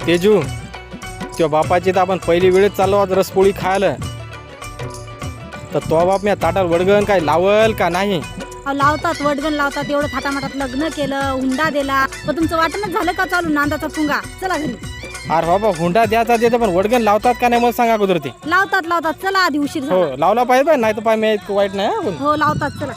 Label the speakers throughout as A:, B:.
A: तेजू त्या बापाची तर आपण पहिली वेळेस चाललो आज रसपोळी खायला, तर तो बाप मी ताटात वडगण काय लावल का नाही?
B: अहो लावतात, वडगण लावतात, एवढं थाटामाटात लग्न केलं, हुंडा दिला, पण तुमचं वाटणच झालं का चालू नांदाचा पुंगा? चला घरी.
A: अरे बाबा हुंडा द्यायचा देतं, पण वडगण लावतात का नाही मला सांगा अगोदर ते.
B: लावतात, चला आधी उशीर
A: हो
B: झाला.
A: लावला पाहिजे, नाही तर पाय मी वाईट नाही आपण.
B: हो लावतात, चला.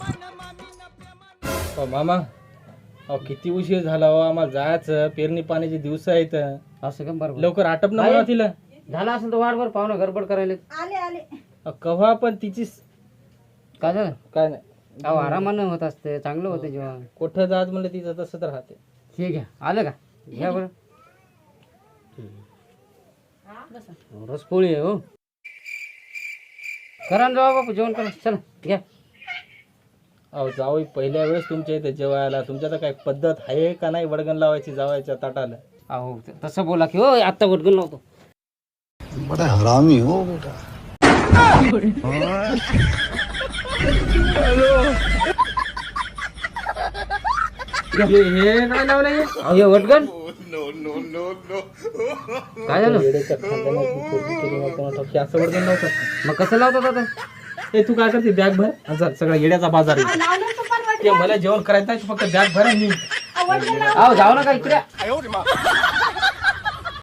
A: मामा अहो किती उशीर झाला हो, आम्हाला जायचं, पेरणी पाण्याचे दिवस आहेत.
C: असं का? बरोबर
A: लवकर आटप ना मला तिला.
C: झालं असेल तर वाटभर पाहुणा गडबड करायला.
B: आले
A: कव्हा पण तिची
C: काय झालं?
A: काय नाही,
C: अहो आरामानं होत असते, चांगलं होतं जेव्हा.
A: कुठं जात म्हणलं तिचं तसं तर राहते.
C: हे घ्या, आलं का? घ्या बरं. रसपोळी आहे हो. करा ना जावा बापू, जेवण करा, चला घ्या.
A: अहो जावई पहिल्या वेळेस तुमच्या इथे जेवायला, तुमच्या तर काय पद्धत आहे का नाही वडगण लावायची जावायच्या ताटाला?
C: अहो तसं बोला की हो, आत्ता वटगण लावतो.
D: बड़ा हरामी हो बेटा.
A: हे काय लावलं हे?
C: अहो हे वटगण काय झालं?
A: येड्याच्या खानदानाची पोरगी केली नाही कोणाला ठाऊक. हे असं वडगण लावतात.
C: मग कसं लावतात आता?
A: हे तू काय करते, बॅग भर आणि चल, सगळा येड्याचा बाजार आहे. ते मला जेवण करायचं आहे, तू फक्त बॅग भर आणि निघ.
C: अहो जाऊ नका इकडे.